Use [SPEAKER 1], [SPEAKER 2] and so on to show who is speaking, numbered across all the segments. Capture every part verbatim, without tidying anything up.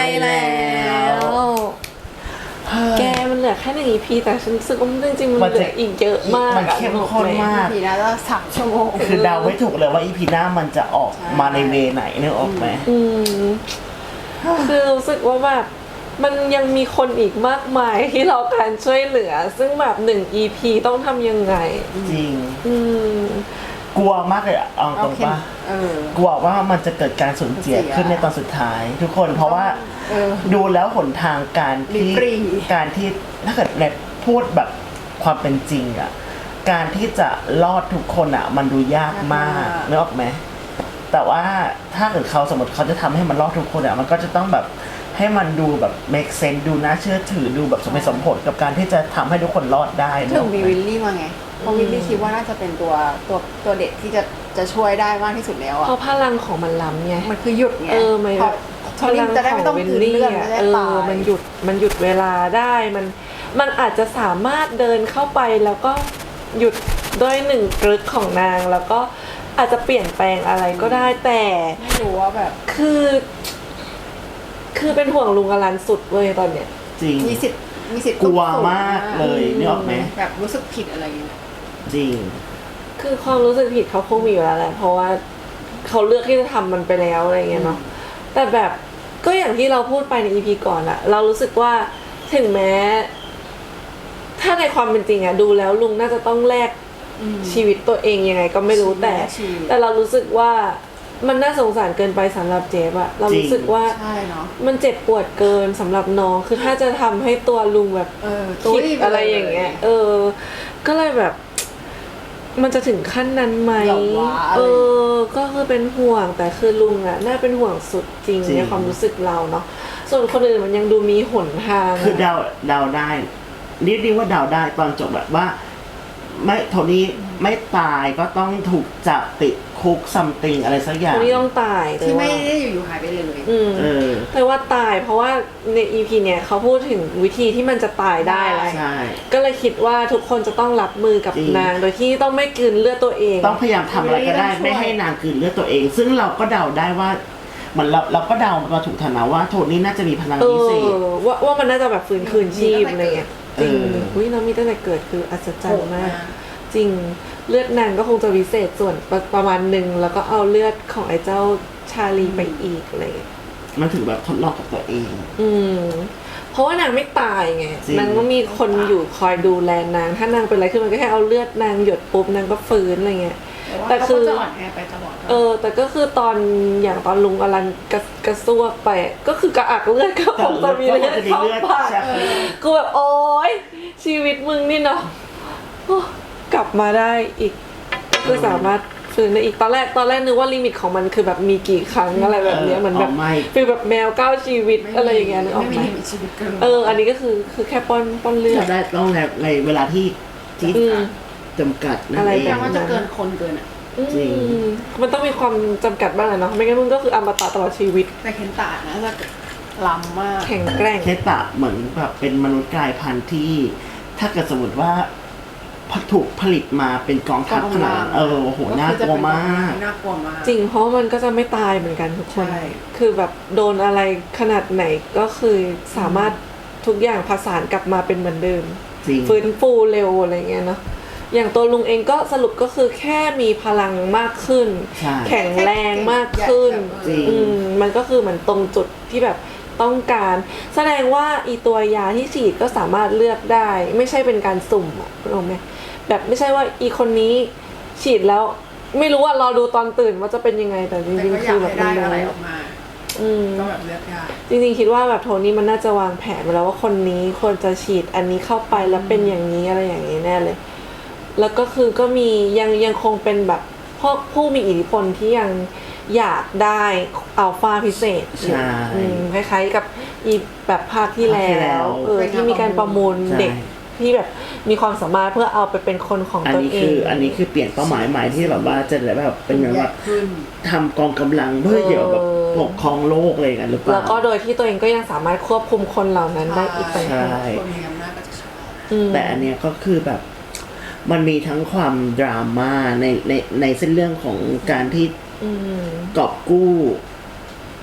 [SPEAKER 1] แล้วแกมันเหลือแค่หนึ่ง อี พี แต่ฉันรู้สึกว่าจริงๆมันเหลืออีกเยอะมาก
[SPEAKER 2] มันเข้มข้นมาก
[SPEAKER 3] อีพีน่าจะสามชั่วโมง
[SPEAKER 2] คือเดาไม่ถูกเลยว่าอีพีหน้ามันจะออกมาในเวไหนนึกออกไหม
[SPEAKER 1] อืมคือรู้สึกว่าแบบมันยังมีคนอีกมากมายที่เราการช่วยเหลือซึ่งแบบหนึ่ง อี พี ต้องทำยังไง
[SPEAKER 2] จริง
[SPEAKER 1] อืม
[SPEAKER 2] กลัวมากเลยอะเอาตรงป่ะกลัวว่ามันจะเกิดการสูญเสียขึ้นในตอนสุดท้ายทุกคนเพราะว่าดูแล้วหนทางการที่การที่ถ้าเกิดในพูดแบบความเป็นจริงอะการที่จะรอดทุกคนอะมันดูยากมากนึกออกไหมแต่ว่าถ้าเกิดเขาสมมติเขาจะทำให้มันรอดทุกคนอะมันก็จะต้องแบบให้มันดูแบบ make sense ดูน่าเชื่อถือดูแบบสมเหตุสมผลกับการที่จะทำให้ทุกคนรอดได้
[SPEAKER 3] ถึงมีวิลลี่มาไงเพราะวิลลี่คิดว่าน่าจะเป็นตัวตัวตัวเด็กที่จะจะช่วยได้มากที่สุดแล้วอะ
[SPEAKER 1] เพราะพลังของมันล้ำไง
[SPEAKER 3] มันคือหยุดไง
[SPEAKER 1] เออมัน
[SPEAKER 3] พลังของวิลลี่
[SPEAKER 1] เออมันหยุดมันหยุดเวลาได้มันมันอาจจะสามารถเดินเข้าไปแล้วก็หยุดด้วยหนึ่งกรึกของนางแล้วก็อาจจะเปลี่ยนแปลงอะไรก็ได้แต่
[SPEAKER 3] ไม่รู้ว่าแบบ
[SPEAKER 1] คือคือเป็นห่วงลุงอลันสุดเลยตอนเนี้ย
[SPEAKER 2] จริง
[SPEAKER 3] มีสิทธิ์มีสิทธิ์
[SPEAKER 2] กลัวมากเลยนึกออกไหม
[SPEAKER 3] แบบรู้สึกผิดอะไรอย่างเงี้ย
[SPEAKER 2] จริง
[SPEAKER 1] คือความรู้สึกผิดเขาคงมีอยู่แล้วแหละเพราะว่าเขาเลือกที่จะทำมันไปแล้วอะไรเงี้ยเนาะแต่แบบก็อย่างที่เราพูดไปใน อี พี ก่อนอะเรารู้สึกว่าถึงแม้ถ้าในความเป็นจริงอะดูแล้วลุงน่าจะต้องแลกชีวิตตัวเองยังไงก็ไม่รู้แต่แต่เรารู้สึกว่ามันน่าสงสารเกินไปสำหรับเจฟอะเรารู้สึกว่ามันเจ็บปวดเกินสำหรับน้องคือถ้าจะทำให้ตัวลุงแบบคิดอะไรอย่างเงี้ยเออก็เลยแบบมันจะถึงขั้นนั้นไหมเออก็คือเป็นห่วงแต่คือลุงอะน่าเป็นห่วงสุดจริงในความรู้สึกเราเนาะส่วนคนอื่นมันยังดูมีหนทาง
[SPEAKER 2] คือเดาเดาได้นิดนึงว่าเดาได้ตอนจบแบบว่าไม่โทนี่ไม่ตายก็ต้องถูกจับติดคุกซัมติงอะไรสักอย่าง
[SPEAKER 1] โทนี่ต้องตาย
[SPEAKER 3] ที่ไม่ได้อยู่ๆหายไปเลย
[SPEAKER 1] อืมแต่ว่าตายเพราะว่าใน อี พี เนี่ยเขาพูดถึงวิธีที่มันจะตายได้แล้วก็เลยคิดว่าทุกคนจะต้องรับมือกับนางโดยที่ต้องไม่กลืนเลือดตัวเอง
[SPEAKER 2] ต้องพยายามทำอะไรก็ได้ไม่ให้นางกลืนเลือดตัวเองซึ่งเราก็เดาได้ว่ามันเราเราก็เดามาถูกฐานะว่าโทนี่น่าจะมีพลังพิเศษ
[SPEAKER 1] ว่าว่ามันน่าจะแบบฟื้นคืนชีพอะไรเงี้ยจริงอุ้ยน้องมีตั้งแต่เกิดคืออัศจรรย์มากจริงเลือดนางก็คงจะวิเศษส่วนประมาณหนึ่งแล้วก็เอาเลือดของไอ้เจ้าชาลีไปอีกอะไร
[SPEAKER 2] มันถึงแบบทดลองกับตัวเอง
[SPEAKER 1] อืมเพราะว่านางไม่ตายไงนางก็มีคนอยู่คอยดูแลนางถ้านางเป็นอะไรขึ้นมันก็แค่เอาเลือดนางหยดปุ๊บนางก็ฟื้นอะไรเงี้ย
[SPEAKER 3] แต่คือจะอ่อนแอไปตลอด
[SPEAKER 1] เออแต่ก็คือตอนอย่างตอนลุงอลันกระกระซวกไปก็คือกระอักเลือดก็คงจะมีเลือดเข้าปากกูแบบโอ๊ยชีวิตมึงนี่เนาะกลับมาได้อีกก็สามารถฟื้นได้อีกตอนแรกตอนแรกนึกว่าลิมิตของมันคือแบบมีกี่ครั้งอะไรแบบนี้เหมือนแบบฟีลแบบแมวเก้าชีวิตอะไรอย่างเงี้ยนึกออกไหมเอออันนี้ก็คือคือแค่ป้อนป้อนเลือด
[SPEAKER 2] ได้ต้องในเวลาที่ที่จำกัด
[SPEAKER 3] นั่นเองว่าจะเกินคนเกินอ่ะ
[SPEAKER 1] จริงมันต้องมีความจำกัดบ้างเนาะไม่งั้นมึงก็คืออมตะตลอดชีวิต
[SPEAKER 3] แต่เคนตะนะจะล้ำมาก
[SPEAKER 1] แข็งแกร่ง
[SPEAKER 2] เคนตะเหมือนแบบเป็นมนุษย์กลายพันธุ์ที่ถ้าเกิดสมมติว่าถูกผลิตมาเป็นกองทัพขนาดเออโหน่ากลัวมาก
[SPEAKER 3] น่ากลัวมาก
[SPEAKER 1] จริงเพราะมันก็จะไม่ตายเหมือนกันทุกคนคือแบบโดนอะไรขนาดไหนก็คือสามารถทุกอย่างผสานกลับมาเป็นเหมือนเดิมฟื้นฟูเร็วอะไรเงี้ยเนาะอย่างตัวลุงเองก็สรุปก็คือแค่มีพลังมากขึ้นแข็งแรงมากขึ้นมันก็คือเหมือนตรงจุดที่แบบต้องการแสดงว่าอีตัวยาที่ฉีดก็สามารถเลือกได้ไม่ใช่เป็นการสุ่มอ่ะรู้ไหมแบบไม่ใช่ว่าอีคนนี้ฉีดแล้วไม่รู้ว่ารอดูตอนตื่นว่าจะเป็นยังไงแต่จริงๆคือแบบ
[SPEAKER 3] มันได้อะไรออกมาก็แบบเลือกได้
[SPEAKER 1] จริงๆคิดว่าแบบโทนี่มันน่าจะวางแผนมาแล้วว่าคนนี้ควรจะฉีดอันนี้เข้าไปแล้วเป็นอย่างนี้อะไรอย่างนี้แน่เลยแล้วก็คือก็มียังยังคงเป็นแบบพวกผู้มีอิทธิพลที่ยังอยากได้อัลฟาพิเศษคล้ายๆกับอีแบบภาคที่แล้วเออที่มีการประมูลเด็กที่แบบมีความสามารถเพื่อเอาไปเป็นคนของตัวเอง
[SPEAKER 2] อันนี้คืออันนี้คือเปลี่ยนเป้าหมายใหม่ที่แบบว่าจะแบบเป็นแบบว่าทำกองกำลังเพื่อเกี่ยวกับปกครองโลกอะไรกันหรือเปล่า
[SPEAKER 1] แล้วก็โดยที่ตัวเองก็ยังสามารถควบคุมคนเหล่านั้นได้อีกต่างหาก
[SPEAKER 2] แต่อันเนี้ยก็คือแบบมันมีทั้งความดราม่าในในในเส้นเรื่องของการที่กอบกู้ค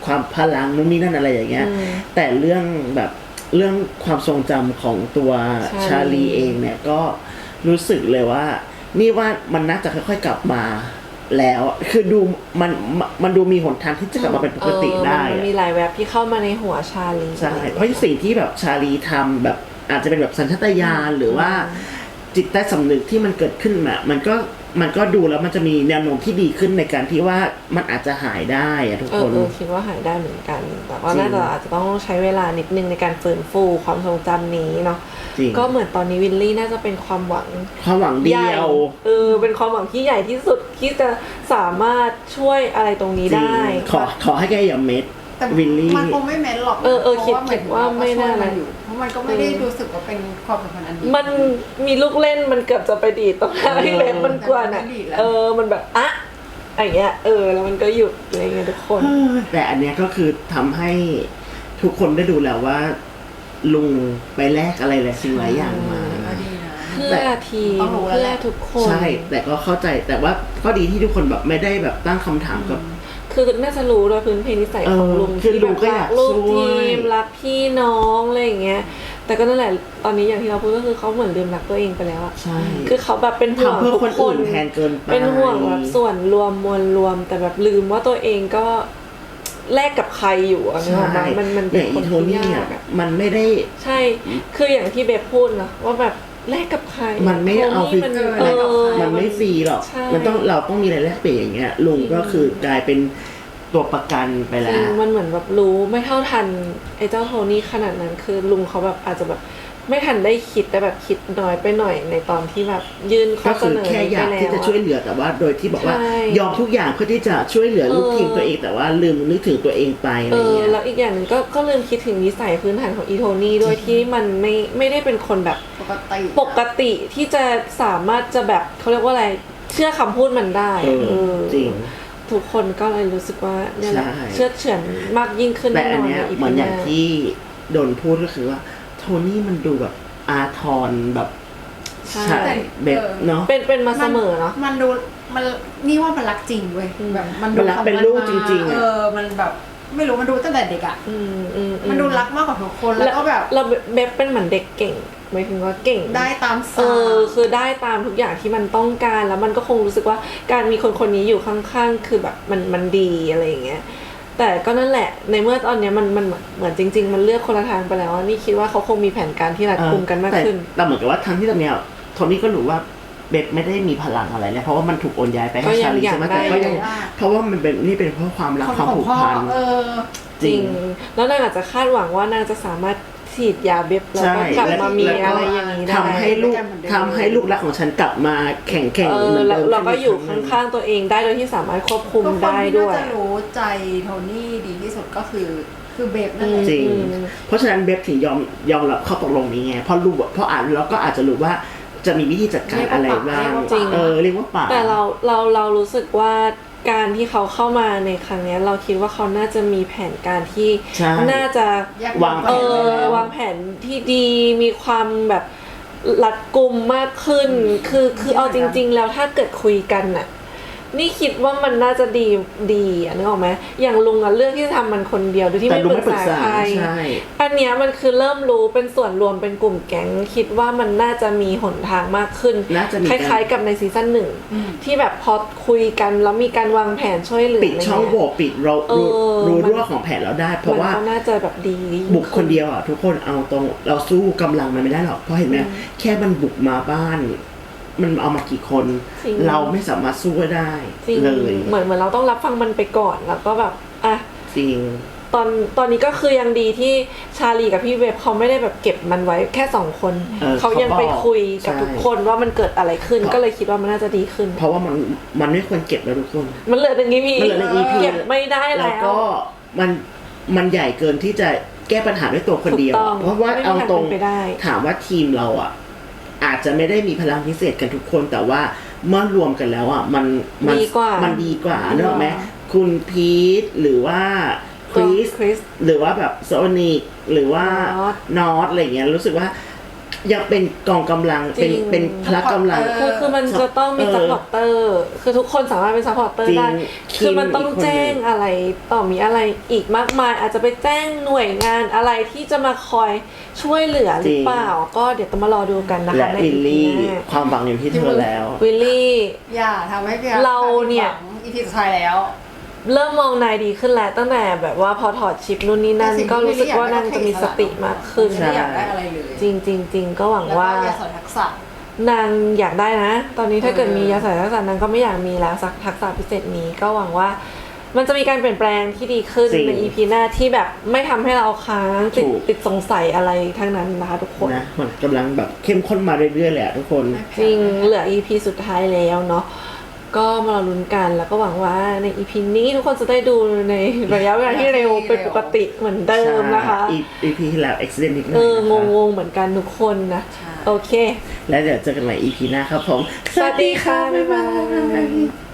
[SPEAKER 2] ความพลังนู่นนี่นั่นอะไรอย่างเงี้ยแต่เรื่องแบบเรื่องความทรงจำของตัวชาลีเองเนี่ยก็รู้สึกเลยว่านี่ว่ามันน่าจะค่อยๆกลับมาแล้วคือดูมันมันดูมีหนทางที่จะกลับมาเป็นปกติได้
[SPEAKER 1] มันมีหลายแวบที่เข้ามาในหัวชาลี
[SPEAKER 2] ใช่เพราะสิ่งที่แบบชาลีทำแบบอาจจะเป็นแบบสัญชาตญาณหรือว่าจิตใต้สำนึกที่มันเกิดขึ้นมามันก็มันก็ดูแล้วมันจะมีแนวโน้มที่ดีขึ้นในการที่ว่ามันอาจจะหายได้อะทุกคน
[SPEAKER 1] เออคิดว่าหายได้เหมือนกันแต่ว่าน่าจะอาจจะต้องใช้เวลานิดนึงในการฟื้นฟูความทรงจำนี้เนาะก็เหมือนตอนนี้วิลลี่น่าจะเป็นความหวัง
[SPEAKER 2] ความหวังเดียว
[SPEAKER 1] เออเป็นความหวังที่ใหญ่ที่สุดที่จะสามารถช่วยอะไรตรงนี้ได้
[SPEAKER 2] ขอขอให้แกอย่าเม็ดวิลลี่
[SPEAKER 3] มันคงไม่เม้นหรอก
[SPEAKER 1] เออเออคิดคิดว่าไม่น่านะ
[SPEAKER 3] เพราะมันก็ไม่ได้รู้สึกว่าเป็นความสัมพันธ์อันดี
[SPEAKER 1] มันมีลูกเล่นมันเกือบจะไปดีดตรงหน้าพี่เล็กมันกวนอ่ะเออมันแบบอะอย่างเงี้ยเออแล้วมันก็หยุดอะไรเงี้ยทุกคน
[SPEAKER 2] แต่อันเนี้ยก็คือทำให้ทุกคนได้ดูแล้วว่าลุงไปแลกอะไรหลายสิ่งหลายอย่างมา
[SPEAKER 1] เพื่อทีมเพื่อทุกคน
[SPEAKER 2] ใช่แต่ก็เข้าใจแต่ว่าก็ดีที่ทุกคนแบบไม่ได้แบบตั้งคำถามกับ
[SPEAKER 1] คือน่าจะรู้ด้วยพื้นเพนิสัยของลุง
[SPEAKER 2] ที่แบบรัก
[SPEAKER 1] ลูกทีมรักพี่น้องอะไรอย่างเงี้ยแต่ก็นั่นแหละตอนนี้อย่างที่เราพูดก็คือเขาเหมือนลืมรักตัวเองไปแล้วอะ
[SPEAKER 2] ใช่
[SPEAKER 1] คือเขาแบบเป็นห่วงทุกคน
[SPEAKER 2] แทนเกินไป
[SPEAKER 1] เป็นห่วงแบบส่วนรวมมวลรวมแต่แบบลืมว่าตัวเองก็แลกกับใครอยู่อะเนี่ยมันมันเป็นคนที่ยากอะ
[SPEAKER 2] มันไม่ได้
[SPEAKER 1] ใช่คืออย่างที่เบฟพูดนะว่าแบบแลกกับใคร
[SPEAKER 2] มันไม่เอาฟรีมันไม่ฟรีหรอกมันต้องเราต้องมีอะไรแลกเปลี่ยนอย่างเงี้ยลุงก็คือกลายเป็นตัวประกันไปแล้ว
[SPEAKER 1] มันเหมือนแบบรู้ไม่เท่าทันไอ้เจ้าโทนี่ขนาดนั้นคือลุงเขาแบบอาจจะแบบไม่ทันได้คิดแต่แบบคิดน้อยไปหน่อยในตอนที่แบบยื่นข้อเสนอ
[SPEAKER 2] ไปแล้วก็คือแค่อยากที่จะช่วยเหลือแต่ว่าโดยที่บอกว่ายอมทุกอย่างเพื่อที่จะช่วยเหลือลูกทีมตัวเองแต่ว่าลืมนึกถึงตัวเองไปอะไรเงี้ย
[SPEAKER 1] แล้วอีกอย่างนึงก็ก็ลืมคิดถึงนิสัยพื้นฐานของอีโทนี่ด้วยที่มันไม่ไม่ได้เป็นคนแบบ
[SPEAKER 3] ปกติ
[SPEAKER 1] ปกติที่จะสามารถจะแบบเขาเรียกว่าอะไรเชื่อคำพูดมันได้
[SPEAKER 2] จริง
[SPEAKER 1] ทุกคนก็เลยรู้สึกว่าเนี่ยแหละเชื่อเฉือนมากยิ่งขึ้น
[SPEAKER 2] แต่อันเนี้ยเหมือนอย่างที่โดนพูดก็คือว่าโทนี่มันดูแบบอาทรแบบ
[SPEAKER 1] ใช่
[SPEAKER 2] แบบเนาะ
[SPEAKER 1] เป็นเป็นมาเสมอเนาะ
[SPEAKER 3] มันดูมันนี่ว่ามันรักจริงเว้ยแบบ
[SPEAKER 2] มันดูเป็นลูกจริงๆ
[SPEAKER 3] เออมันแบบไม่รู้มันดูตั้งแต่เด็กอ่ะมันดูรักมากกว่าทุกคนแล้วก็แบบ
[SPEAKER 1] เราเบฟเป็นเหมือนเด็กเก่งหมายถึงว่าเก่ง
[SPEAKER 3] ได้ตาม
[SPEAKER 1] เออคือได้ตามทุกอย่างที่มันต้องการแล้วมันก็คงรู้สึกว่าการมีคนคนนี้อยู่ข้างๆคือแบบมันมันดีอะไรอย่างเงี้ยแต่ก็นั่นแหละในเมื่อตอนนี้มันมันเหมือนจริงๆมันเลือกคนละทางไปแล้วนี่คิดว่าเขาคงมีแผนการที่รัดกุมกันมากขึ้น
[SPEAKER 2] แต่เหมือนกับว่าทั้งที่ตอนเนี้ยโทนี่ก็รู้ว่าเบฟไม่ได้มีพลังอะไรเลยเพราะว่ามันถูกโอนย้ายไปให้ชาลีใช่ไหมแต่ก็ยังเพราะว่ามันเป็นนี่เป็นเพราะความรักความผูกพัน
[SPEAKER 1] จริงแล้วนางอาจจะคาดหวังว่านางจะสามารถฉีดยาเบ็บแล้วก็กลับมามีอะไรอย่างนี้ได้
[SPEAKER 2] ทำให้ลูกทำให้ลูกรักของฉันกลับมาแข็งแกร่ง
[SPEAKER 1] เหมือนเดิมเราก็อยู่ข้างๆตัวเองได้โดยที่สามารถควบคุมได้ด้วย
[SPEAKER 3] คนที่น่าจะรู้ใจโทนี่ดีที่สุดก็คือคือเบบนั่นแหละ
[SPEAKER 2] จริงเพราะฉะนั้นเบบถึงยอมยอมรับข้อตกลงนี้ไงเพราะรู้เพราะอ่านแล้วก็อาจจะรู้ว่าจะมีวิธีจัดการอะไรบ้างเออเรียกว่าป่า
[SPEAKER 1] แต่เราเราเรารู้สึกว่าการที่เขาเข้ามาในครั้งนี้เราคิดว่าเขาน่าจะมีแผนการที่น่าจะ
[SPEAKER 2] วางแผน
[SPEAKER 1] วางแผนที่ดีมีความแบบรัดกุมมากขึ้นคือคือเอาจริงๆแล้วถ้าเกิดคุยกันน่ะนี่คิดว่ามันน่าจะดีดีอ่ะนึกออกไหมอย่างลุงอ่ะเลือกที่จะทำมันคนเดียวโดยที่ไม่ปรึกษาใครอันเนี้ยมันคือเริ่มรู้เป็นส่วนรวมเป็นกลุ่มแก๊งคิดว่ามันน่าจะมีหนทางมากขึ้นคล้ายๆกับในซีซั่นหนึ่งที่แบบพอคุยกันแล้วมีการวางแผนช่วยเหลือ
[SPEAKER 2] ปิดช่องโหว่ปิดเรารู้รั่วของแผนเราได้เพราะว่า
[SPEAKER 1] น่าจะแบบดี
[SPEAKER 2] บุกคนเดียวอ่ะทุกคนเอาตรงเราสู้กำลังมันไม่ได้หรอกเพราะเห็นไหมแค่มันบุกมาบ้านมันเอามากี่คนเราไม่สามารถสู้ได้เลย
[SPEAKER 1] เหมือนเหมือนเราต้องรับฟังมันไปก่อนแล้วก็แบบอ่ะ
[SPEAKER 2] จริง
[SPEAKER 1] ตอนตอนนี้ก็คือยังดีที่ชาลีกับพี่เวฟเขาไม่ได้แบบเก็บมันไว้แค่สองคนเขายังไปคุยกับทุกคนว่ามันเกิดอะไรขึ้นก็เลยคิดว่ามันน่าจะดีขึ้น
[SPEAKER 2] เพราะว่ามันมันไม่ควรเก็บแล้วทุกคน
[SPEAKER 1] มันเหลือหนึ่ง อี พี
[SPEAKER 2] มันเหลือหนึ่ง อี พี
[SPEAKER 1] เก็บไม่ได้แล้ว
[SPEAKER 2] ก็มันมันใหญ่เกินที่จะแก้ปัญหาด้วยตัวคนเดียวเพราะว่าเอาตรงถามว่าทีมเราอ่ะอาจจะไม่ได้มีพลังพิเศษกันทุกคนแต่ว่าเมื่อรวมกันแล้วอ่ะมันมันมันดีกว่าเนอะไหมคุณพีทหรือว่าคริสหรือว่าแบบโซนิกหรือว่านอตอะไรเงี้ยรู้สึกว่ายังเป็นกองกำลังเป็น
[SPEAKER 1] จริง
[SPEAKER 2] เป็นพละกำลัง
[SPEAKER 1] คือคือมันจะต้องมี
[SPEAKER 2] เออ
[SPEAKER 1] ซัพพอร์เตอร์คือทุกคนสามารถเป็นซัพพอร์เตอร์
[SPEAKER 2] จริง
[SPEAKER 1] ได้
[SPEAKER 2] คิม
[SPEAKER 1] คือมันต้อง
[SPEAKER 2] อีกคนหนึ่ง
[SPEAKER 1] แจ้งอะไรต่อมีอะไรอีกมากมาย อาจจะไปแจ้งหน่วยงานอะไรที่จะมาคอยช่วยเหลือหรือเปล่า ก็เดี๋ยวต้องมารอดูกันนะคะ
[SPEAKER 2] และ
[SPEAKER 1] ใน
[SPEAKER 2] วิล
[SPEAKER 1] อี
[SPEAKER 2] ลี่
[SPEAKER 1] พีหน้า
[SPEAKER 2] ความหวังอยู่ที่เธอแล้ว
[SPEAKER 1] วิลลี่
[SPEAKER 3] อย่าทำให้พี่
[SPEAKER 1] เราเนี่ย
[SPEAKER 3] อีพีสุดท้ายแล้ว
[SPEAKER 1] เริ่มมองนายดีขึ้นแล้วตั้งแต่แบบว่าพอถอดชิปนู่นนี่นั่น
[SPEAKER 3] แต่สิ่งที่
[SPEAKER 1] ก็รู้สึกว่านางจะมีสติมากขึ้น
[SPEAKER 3] ไม่อยากได้อะไรเลย
[SPEAKER 1] จริงจริงจริงก็หวัง
[SPEAKER 3] แล้วก็
[SPEAKER 1] ว่า
[SPEAKER 3] อย่าสอนทักษะ
[SPEAKER 1] นางอยากได้นะ ตอนนี้ถ้าเกิด
[SPEAKER 3] เออ
[SPEAKER 1] มียาสายทักษะนางก็ไม่อยากมีแล้วสักทักษะพิเศษนี้ก็หวังว่า มันจะมีการเปลี่ยนแปลงที่ดีขึ้น
[SPEAKER 2] จริง
[SPEAKER 1] ใน อี พี หน้าที่แบบไม่ทำให้เราค้างติด
[SPEAKER 2] ถูก
[SPEAKER 1] ติดสงสัยอะไรทั้งนั้นนะคะทุกคน
[SPEAKER 2] นะมันกำลังแบบเข้มข้นมาเรื่อยๆเลยอะทุกคน
[SPEAKER 1] จริงเหลือ อี พี สุดท้ายแล้วเนาะก็มารอลุ้นกันแล้วก็หวังว่าใน อี พี นี้ทุกคนจะได้ดูในระยะเวลาที่เร็วเป็นปกติเหมือนเดิมนะคะ
[SPEAKER 2] ใช่ อี พี ที่แล้ว accident นิดหน่
[SPEAKER 1] เอ
[SPEAKER 2] อย
[SPEAKER 1] อ
[SPEAKER 2] นะคะ
[SPEAKER 1] งงๆเหมือนกันทุกคนนะ
[SPEAKER 3] ใช่
[SPEAKER 1] โอเค
[SPEAKER 2] แล้วเดี๋ยวเจอกันใหม่ อี พี หน้าครับผม
[SPEAKER 1] สวัสดีค่ะบ๊ายบาย